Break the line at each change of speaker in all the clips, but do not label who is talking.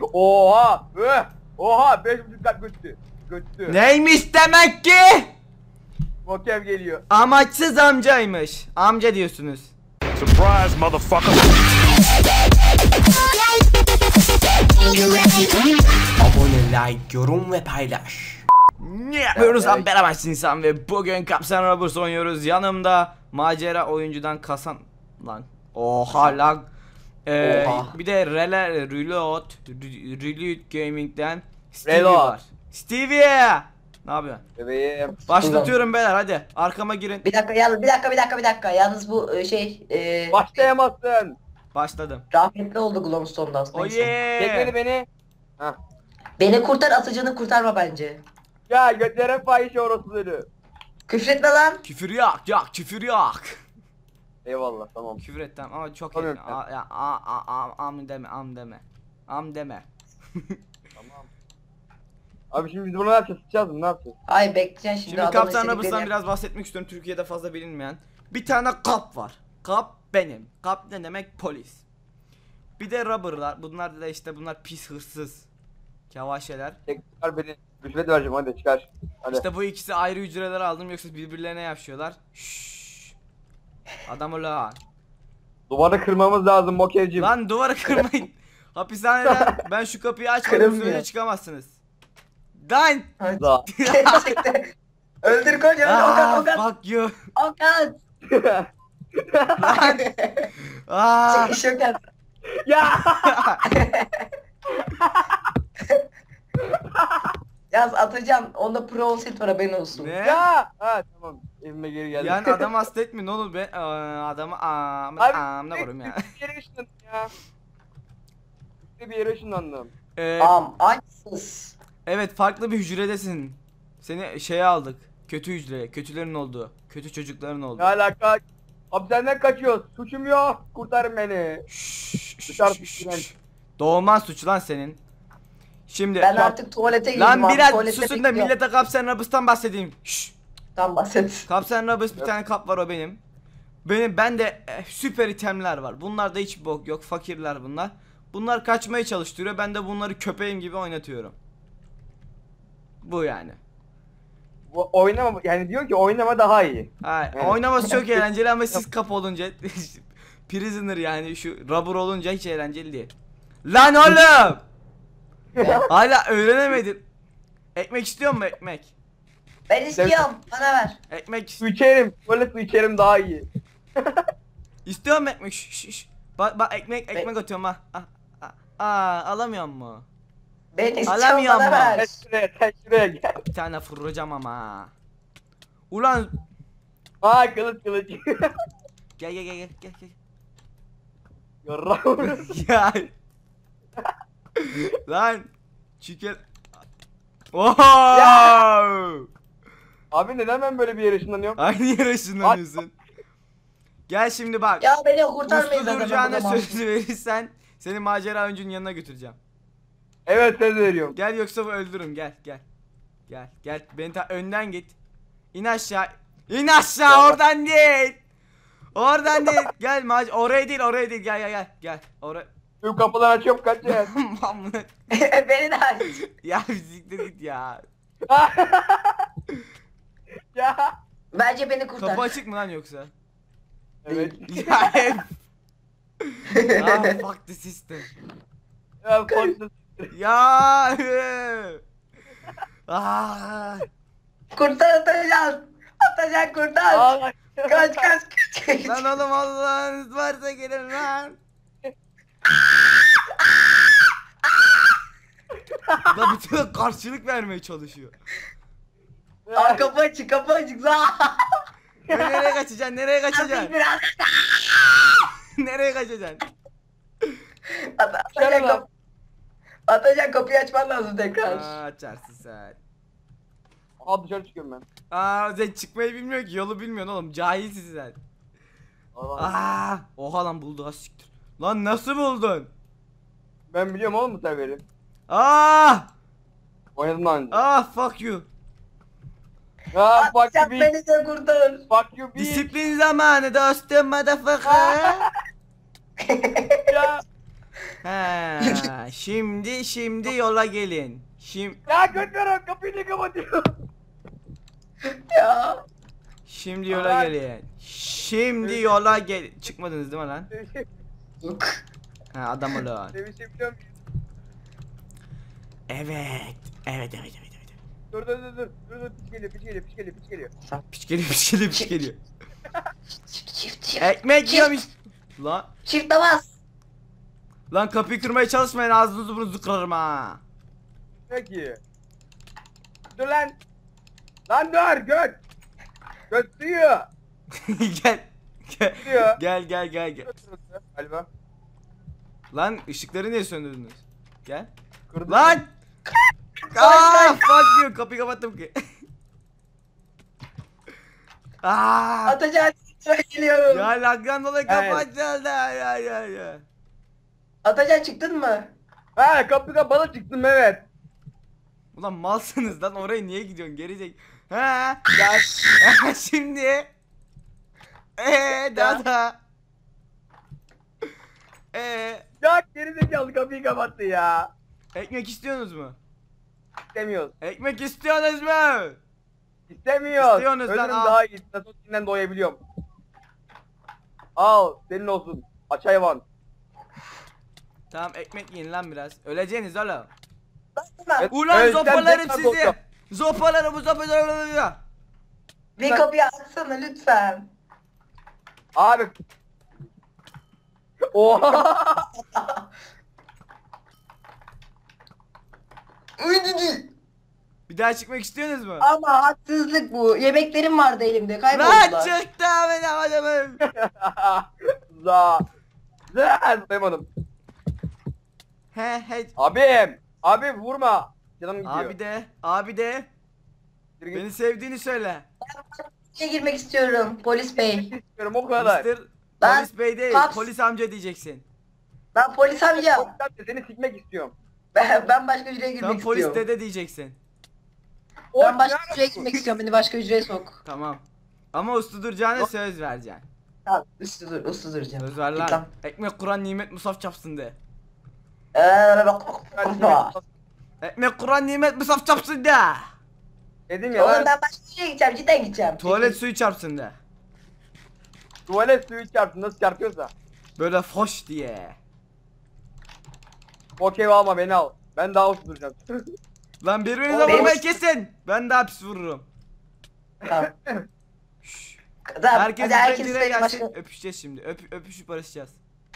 Oha. Oha 5.5 kat götü. Götü.
Neymiş demek ki?
Mokev geliyor.
Amaçsız amcaymış. Amca diyorsunuz.
Surprise, motherfucker.
Abone, like, yorum ve paylaş. Ne yapıyoruz lan beraber insan ve bugün Kapsan Robbers oynuyoruz. Yanımda macera oyuncudan Kasan lan. Oha lan. Bir de Reload Gaming'den Stevie var. Stevie! Ne yapıyorsun?
Bebeğim.
Başlatıyorum beyler, hadi arkama girin.
Bir dakika. Yalnız bu
Başlayamazsın.
Başladım.
rahmetli oldu Glowstone'dan.
Oh
Neyse.
yeah.
Çek beni. Hah.
Beni kurtar, atıcını kurtarma bence.
Ya götlere fahişe orospuları.
Küfretme lan.
Küfür yok, küfür yok.
Eyvallah tamam.
Küfür et tamam ama çok
Tamam,
etme. Am deme. Am deme.
Tamam. Abi şimdi biz bunu ne yapacağız? Sıçacağız mı? Ne yapacağız?
Ay bekleyeceksin şimdi,
Şimdi
adamın
Kaptan
istediklerini
Robbers'tan
yap.
biraz bahsetmek istiyorum. Türkiye'de fazla bilinmeyen. Bir tane kap var. Kap benim. Kap ne demek? Polis. Bir de Robber'lar. Bunlar da işte bunlar pis hırsız. Kevaşeler.
Çıkar beni. Rüşvet vereceğim hadi çıkar. Hadi.
İşte bu ikisi ayrı hücreler aldım, yoksa birbirlerine yapışıyorlar. Şşş. Adam ulan.
Duvarı kırmamız lazım Mokevciğim.
Lan duvarı kırmayın. Hapishaneden ben şu kapıyı açmadım,
Kırılmıyor.
sürece çıkamazsınız. Lan.
Hadi.
Da.
Gerçekten. Öldür koç, öldür Okan.
Fuck you.
Okan. Çıkış Okan.
Ya.
Yaz atacağım. Onda pro olsaydı var, haberin olsun.
Ne?
Ya. Ha tamam. Evime geri geldim.
Yani adam hasta etmeyin oğlum, ben adamı ne koyayım ya.
Bir yere ışınlandım ya. Bir yere ışınlandım.
Açsız.
Evet, farklı bir hücredesin. Seni şeye aldık. Kötü hücre, kötülerin olduğu, kötü çocukların
Ne
olduğu.
alaka? Hapishaneden kaçıyoruz. Suçum yok. Kurtarın beni.
Doğman suç lan senin. Şimdi
Ben artık tuvalete girdim
lan
abi.
biraz
Tuvalete
susun da
bekliyorum.
millete Kapsan Robbers'tan bahsedeyim. Şşş.
Tam bahset.
Kapsan Robbers, bir tane kap var, o benim. Bende süper itemler var. Bunlarda hiç bok yok, fakirler bunlar. Bunlar kaçmaya çalıştırıyor. Ben de bunları köpeğim gibi oynatıyorum. Bu yani.
Bu oynama yani diyor ki oynama daha iyi.
Ha,
Evet.
oynaması çok eğlenceli ama siz kap olunca prisoner yani şu rubber olunca hiç eğlenceli değil. Lan oğlum! Hala öğrenemedim. Ekmek istiyor musun, ekmek?
Ben istiyorum. Bana ver.
Ekmek
Su içerim. Böyle su içerim daha iyi.
istiyor musun ekmek? Şş. Bak ekmek atıyorum ha. Alamıyor mu?
Ben istiyorum,
Alamıyorum
bana
ama.
ver.
Sen şuraya gel.
Bir tane fırlayacağım ama. Ulan
Aa kılıç.
gel.
Yarrağım.
Ya. Lan çikel. Oha!
Abi neden ben böyle bir yere ışınlanıyorum?
Aynı yere ışınlanıyorsun. Gel şimdi bak.
Ya beni kurtarmayın
Uslu
zaten.
duracağına
ben burada
söz verirsen seni macera oyuncunun yanına götüreceğim.
Evet söz veriyorum.
Gel yoksa öldürürüm, gel. Gel beni önden git. İn aşağı. İn aşağı, oradan değil. Oradan değil. Gel oraya değil gel. Oraya.
Tüm kapıları açıyorum kaç yer.
Beni de aç.
Ya siktir git ya.
Ya.
Bence beni kurtar.
Kapı açık mı lan yoksa?
Evet.
Ya hep. Fuck the system.
Ya korktum.
Ya. Ah.
Kurtar, atacağım. Atacak, kurtar.
Aa,
Kaç.
Lan oğlum, Allah'ınız varsa gelin lan. Da bütün karşılık vermeye çalışıyor.
Aa, kapı açık.
Nereye kaçacaksın? Nereye kaçacaksın?
Biraz
Nereye kaçacaksın?
atacak, kapıyı açman lazım tekrar.
Açarsın sen.
Aa dışarı çıkıyorum ben.
Sen çıkmayı bilmiyor ki, yolu bilmiyorsun oğlum, cahilsin sen. Oha lan, buldu, az siktir. Lan nasıl buldun?
Ben biliyorum oğlum bu serveri. Oynadım daha önce.
Fuck you.
Fuck
Atacak,
you
beni de kurtar.
Fuck you bitch.
Disiplin zamanı dostum, motherfucker.
Ya.
He, şimdi yola gelin.
Ya götürün kapıyı ne kapatıyor?
Ya.
Şimdi yola gelin. Şimdi yola gel. Çıkmadınız değil mi lan?
Yok.
Ha adam olun.
Sevişebiliyor muyum?
Evet. Evet.
Dur. Piç geliyor.
Piç geliyor.
Çift.
Ekmek yiyormuş. Lan.
Çift namaz.
Lan kapıyı kırmaya çalışmayın, ağzınızı burnunuzu kırarım ha.
Peki. Dur lan. Lan dur göt. Göt duyuyor.
Gel.
Diyor.
Gel.
Galiba.
Lan ışıkları niye söndürdünüz? Gel.
Kırdı.
Lan! Aaa! Fuck diyor, kapıyı kapattım ki. Aaa!
Atacan geliyorum.
Ya lagdan dolayı
Evet.
kapat geldi ya.
Atacan çıktın mı?
Ha kapı kapalı çıktım evet.
Ulan malsınız lan, oraya niye gidiyorsun gerizek? Ha?
Gel.
Şimdi. Daha.
Ya gerizekalı kapıyı kapattı ya.
Ekmek istiyorsunuz mu?
İstemiyoruz.
Ekmek istiyorsunuz mu?
İstemiyoruz.
İstiyorsunuz lan,
Ölürüm
al.
daha iyi. Nasıl doyabiliyorum. Al senin olsun. Aç hayvan.
Tamam, ekmek yiyin lan biraz. Öleceğiniz oğlum.
Evet,
Ulan
evet,
zopalarım
sen tekrar
sizi.
doyuyorum.
Zopalarım.
Bir kapıyı açsana lütfen.
Abi. Oha.
Bir daha çıkmak istiyorsunuz mu?
Ama haksızlık bu. Yemeklerim vardı elimde.
Lan
Kayboldular.
çıktı benim adamım.
Za. Duymadım.
He.
Abim. Abi vurma. Canım gidiyor.
Abi de
Yürü git.
beni sevdiğini söyle.
İçeri girmek istiyorum polis bey.
İstiyorum o kadar.
Mr.
Ben-
Polis bey değil,
Kaps.
polis amca diyeceksin.
Ben polis amca.
Seni sikmek istiyorum.
Ben başka hücreye girmek
Sen polis
istiyorum.
dede diyeceksin.
Ben başka hücreye girmek istiyorum. Beni başka hücreye sok.
Tamam. Ama uslu duracağına söz vereceksin.
Tamam uslu duracağım.
Söz ver
Git
lan. Ekmek Kur'an nimet musaf çapsın de. Ekmek Kur'an nimet musaf çapsın de.
Dedim ya
Oğlum
lan.
ben başka hücreye gideceğim. Cidden gideceğim.
Tuvalet suyu çarpsın de.
Tuvalet suyu çarptı nasıl çarpıyorsa.
Böyle foş diye.
Okey alma beni al. Ben daha uslu duracağım.
Lan birbirinize
Oğlum,
vurmayı kesin. Ben daha pis vururum.
Tamam.
Şşş.
Tamam.
Herkes
Hadi herkes
birbirine
benim
gelsin.
başka...
Öpüşeceğiz şimdi. Öpüşüp barışacağız.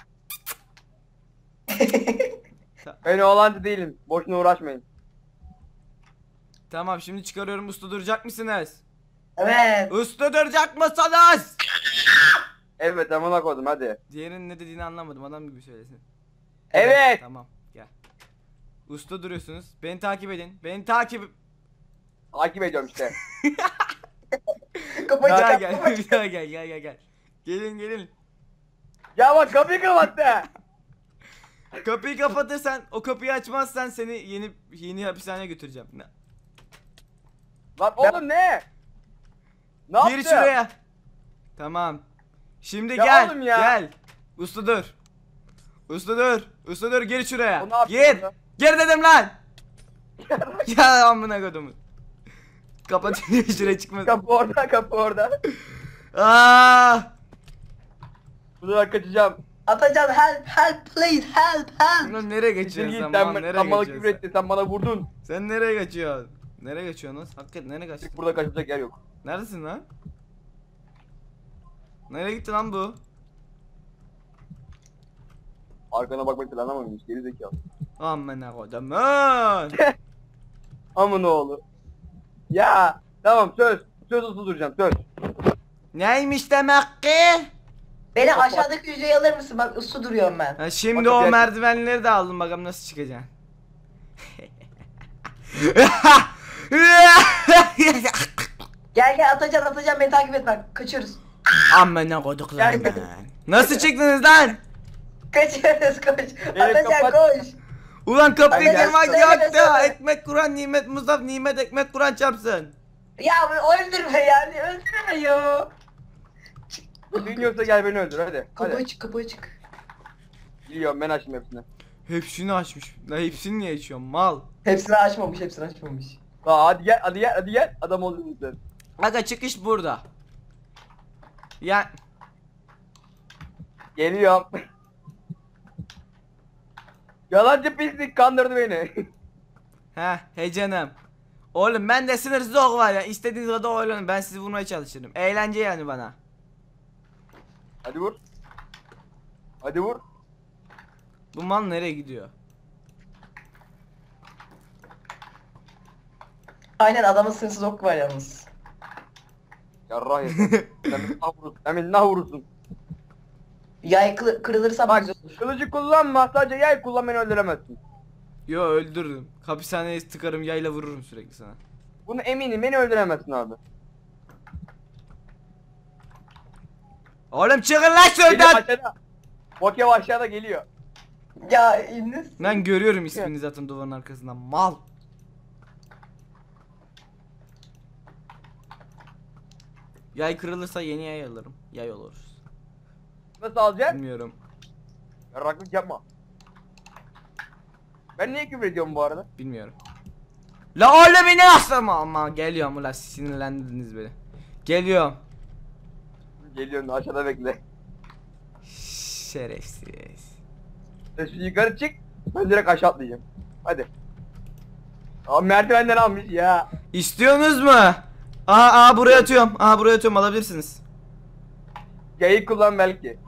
Ben oğlancı değilim. Boşuna uğraşmayın.
Tamam, şimdi çıkarıyorum. Uslu duracak mısınız?
Evet.
Uslu duracak mısınız?
Evet amına koydum hadi.
Diğerinin ne dediğini anlamadım. Adam gibi söylesin.
Evet.
Tamam, gel. Uslu duruyorsunuz. Beni takip edin.
Takip ediyorum işte.
Kapıyı
Bir daha
çıkar.
gel. Bir daha gel. Gelin.
Ya bak kapıyı kapattı.
Kapıyı kapatırsan, o kapıyı açmazsan seni yeni hapishaneye götüreceğim.
Lan oğlum ne? Ne
Gir
yaptın?
şuraya. Tamam. Şimdi
Ya
gel.
oğlum ya.
Gel. Uslu dur. Gir şuraya.
O ne yapıyor
Gir.
orada?
Gir dedim lan. Ya amına kodumu. Kapatıyor, şuraya çıkmaz.
Kapı orada.
Aa!
Buradan kaçacağım.
Atacan help please help.
Lan nereye
Siktir
geçiyorsun
git
sen?
sen
Lan
bana
nereye
küfür
geçiyorsun
etti sen bana vurdun.
sen nereye kaçıyorsun? Nereye kaçıyorsun lan? Hakikaten nereye kaçtın?
Burada kaçacak yer yok.
Neredesin lan? Nereye gitti lan bu?
Arkana bakmayı planlamamış geri zekalı.
Amına kodumun.
Amın oğlu. Ya tamam söz. Söz uslu duracağım söz.
Neymiş demek ki?
Beni aşağıdaki hücreye alır mısın? Bak uslu duruyorum ben.
Ha, şimdi
Bak,
o
gel.
merdivenleri de aldım, bakalım nasıl çıkacaksın.
Gel Atacan beni takip et bak. Kaçıyoruz.
Amına koduklar
Gel.
ben. Nasıl çıktınız lan?
Kaçıyoruz koş. Atacan
kapat.
koş.
Ulan kapıyı
Hadi
kırmak
gel,
yok
söyle,
da.
söyle.
Ekmek Kur'an nimet Mustafa nimet ekmek Kur'an çarpsın.
Ya öldürme yani öldürme ya.
Dinliyorsa gel beni öldür hadi.
Kapı
Hadi.
açık.
Biliyorum ben açtım hepsini.
Hepsini açmış. La hepsini niye açıyorum mal?
Hepsini açmamış, hepsini açmamış.
Aa, hadi gel, hadi gel, hadi gel. Adam oldun sen.
Aga çıkış burada. Ya
Geliyorum. Yalancı pislik kandırdı beni.
he canım. Oğlum ben de sınırsız ok var ya. İstediğiniz kadar oynayın. Ben sizi vurmaya çalışırım. Eğlence yani bana.
Hadi vur. Hadi vur.
Bu mal nereye gidiyor?
Aynen adamın sınırsız ok var yalnız.
Yarrah yeter. Sen beni nah vurursun. Sen beni nah vurursun.
Yay kırılırsa
Bak
güzel olur.
kılıcı kullanma, sadece yay kullan, beni öldüremezsin.
Yo öldürürüm. Hapishaneye tıkarım yayla vururum sürekli sana.
Bunu eminim, beni öldüremezsin abi.
Oğlum çıkın lan
Geliyor
şuradan.
aşağıda. Bokev aşağıda geliyor.
Ya İbnis.
Ben görüyorum ismini zaten duvarın arkasından. Mal. Yay kırılırsa yeni yay alırım. Yay oluruz.
Nasıl alacaksın?
Bilmiyorum.
Yarraklık yapma. Ben niye küfür ediyorum bu arada?
Bilmiyorum. La oğlum beni aslama ama geliyorum ulan sinirlendirdiniz beni. Geliyorum.
Geliyorsun, aşağıda bekle.
Şerefsiz.
Sen şimdi yukarı çık, ben direkt aşağı atlayacağım. Hadi. Abi merdivenden almış ya.
İstiyorsunuz mu? Aa buraya atıyorum. Aa buraya atıyorum alabilirsiniz.
Yayı kullan belki.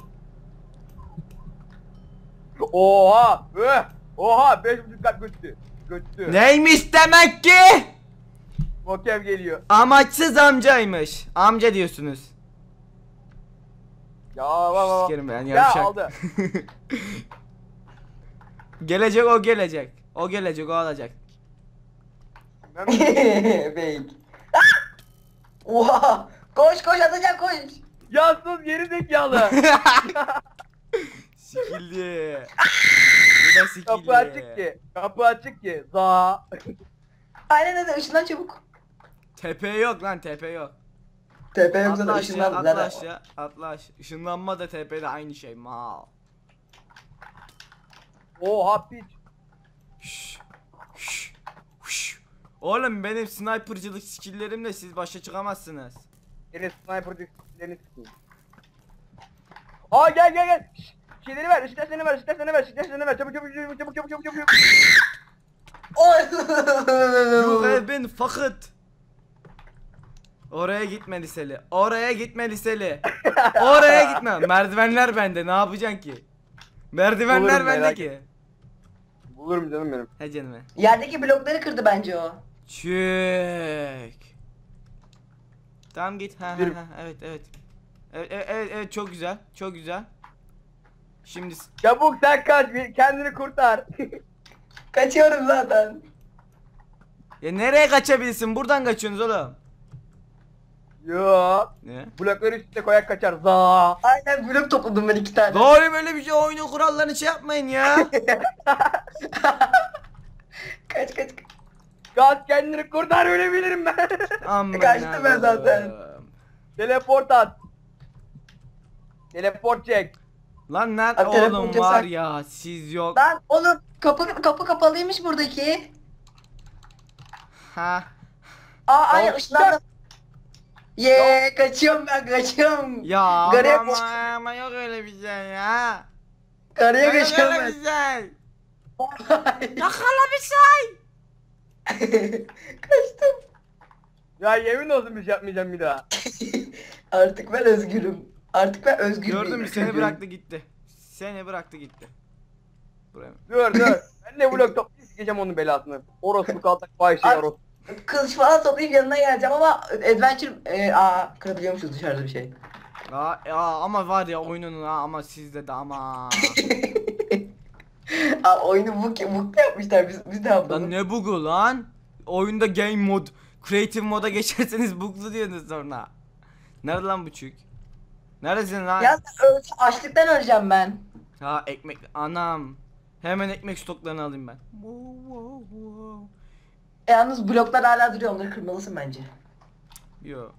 Oha! Oha! 5.5 kat götü. Götü.
Neymiş demek ki?
Bokev geliyor.
Amaçsız amcaymış. Amca diyorsunuz.
Ya baba.
Sikerim ben
Ya
yavşak.
aldı.
Gelecek o gelecek. O gelecek o alacak.
Ben
Fake. Ah! Oha! Koş koş atacak koş.
ya sus geri zekalı.
Sikildi. Bu da sikildi.
Kapı açık ki. Kapı açık ki. Za.
Aynen öyle ışından çabuk.
Tepe yok lan tepe yok.
Tepe yoksa
Atla
da
aşağı
ışından
atla
zaten.
aşağı atla aşağı. Işınlanma da tepede aynı şey mal.
Oha piç.
Şşş, şşş, şşş. Oğlum benim snipercılık skilllerimle siz başa çıkamazsınız.
Senin sniper disklerini sıkayım. Aa gel gel gel. Şşş. Şeyleri ver, ışıklarını ver, ışıklarını ver, ışıklarını ver. Çabuk çabuk çabuk çabuk çabuk çabuk çabuk.
You have been fucked. Oraya gitme liseli. Oraya gitme liseli. Oraya gitme. Merdivenler bende. Ne yapacaksın ki? Merdivenler
Bulurum,
bende
merak
ki.
Bulurum canım benim.
He canım. He.
Yerdeki blokları kırdı bence o.
Çek. Tamam git. Ha
Yürü.
evet evet. Evet çok güzel. Çok güzel. Şimdi
Çabuk sen kaç, kendini kurtar.
Kaçıyorum zaten.
ya nereye kaçabilirsin? Buradan kaçıyorsunuz oğlum.
Yo.
Ne?
Blokları üstüne koyak kaçar. Za.
Aynen blok topladım ben 2 tane.
Doğru böyle bir şey oyunun kurallarını şey yapmayın ya.
Kaç kaç.
Kaç, kendini kurtar, ölebilirim ben.
Aman
Kaçtım ben zaten.
Allah'ım.
Teleport at. Teleport çek.
Lan nerede
Abi telefon
oğlum
cesak.
var ya siz yok.
Lan oğlum kapı kapalıymış buradaki.
Ha.
Aynen
Tamam.
ışınlandım. Yeee kaçıyorum ben kaçıyorum.
Ya
Garaya
ama yok öyle bir şey ya.
Karaya
Yok
kaçıyorum
öyle
ben.
bir şey. Yakala bir şey.
Kaçtım.
Ya yemin olsun bir şey yapmayacağım bir daha.
Artık ben özgürüm. Artık ben özgür
Gördün mü
bir
seni
çocuğum.
bıraktı gitti. Seni bıraktı gitti. Buraya mı?
Dur. Ben de blok toplayıp sikeceğim onun belasını. Orospu kaltak fahişe
Abi-
orospu.
Kılıç falan toplayıp yanına geleceğim ama adventure kırabiliyormuşuz dışarıda bir şey.
Ama var ya oyunun ama sizde de ama.
Oyunu bug yapmışlar biz ne yapalım?
Lan ne bug'u lan? Oyunda game mod, creative moda geçerseniz bug'lu diyorsunuz sonra. Nerede lan bu çük? Neredesin lan?
Ya açlıktan öleceğim ben.
Ha ekmek anam. Hemen ekmek stoklarını alayım ben.
Yalnız bloklar hala duruyor onları kırmalısın bence.
Yo.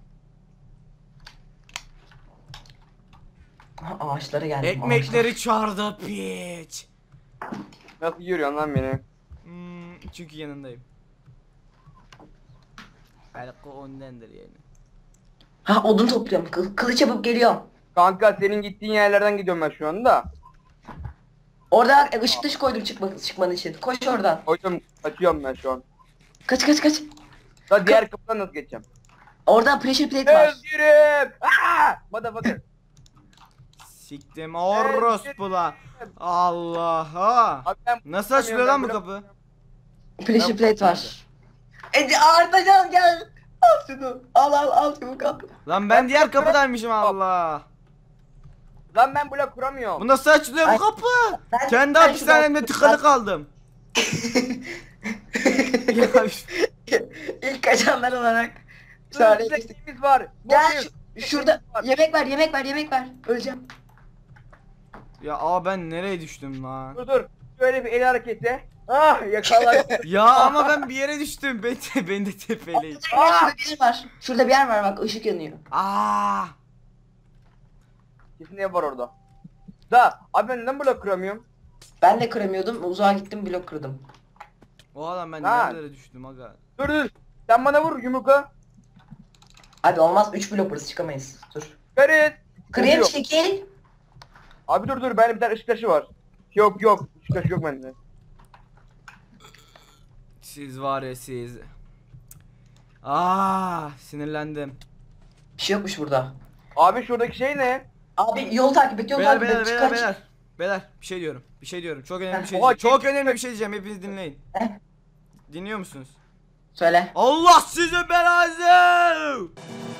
Aha, ağaçlara geldim.
Ekmekleri çağırdı piç.
Nasıl görüyorsun lan beni?
Çünkü yanındayım. Belki ondandır yani.
Ha odun topluyorum. Kılıç yapıp geliyorum.
Kanka senin gittiğin yerlerden gidiyorum ben şu anda.
Orada ışık dışı koydum çıkman için. Koş oradan.
Hocam kaçıyorum ben şu an.
Kaç.
Da diğer kapıdan nasıl geçeceğim?
Orada pressure plate var.
Özgürüm! Aaa! Motherfucker.
Siktim orospula. Allah'a.
Abi ben
Nasıl açılıyor lan bu kapı?
Pressure plate var. Artacan gel. Al şunu. Al çabuk al.
Lan ben diğer kapıdaymışım Allah.
Lan ben blok kuramıyorum.
Bu nasıl açılıyor bu
Ay,
kapı?
ben-
Kendi
ben
hapishanemde
şuradan-
tıkalı kaldım. Ya,
İlk kaçanlar olarak.
Dur,
Sonra
size
geçtik.
neyimiz var?
Gel
Bugün
şurada
neyimiz var?
yemek ver. Öleceğim.
ya ben nereye düştüm lan?
Dur. Şöyle bir el hareketi. Ah yakalar.
Ya ama ben bir yere düştüm. Ben de tepeleyim.
Şurada bir yer var. Şurada bir yer var bak ışık yanıyor.
Aa!
Kesin ev var orada. Da abi ben neden blok kuramıyorum?
Ben de kıramıyordum. Uzağa gittim blok kırdım.
O adam ben
Lan.
nerelere düştüm aga.
Dur. Sen bana vur yumruka.
Hadi olmaz 3 blok burası çıkamayız. Dur.
Ferit.
Kırayım
Yok.
çekil.
Abi dur bende bir tane ışık taşı var. Yok ışık taşı yok bende.
Siz var ya siz. Sinirlendim.
Bir şey yokmuş burada.
Abi şuradaki şey ne?
Abi yol takip et
Beyler
Çıkar.
beyler bir şey diyorum. Çok önemli bir şey
Oha,
diyeceğim. Çok önemli bir şey diyeceğim. Hepiniz dinleyin.
Eh.
Dinliyor musunuz?
Söyle.
Allah sizi belanızı!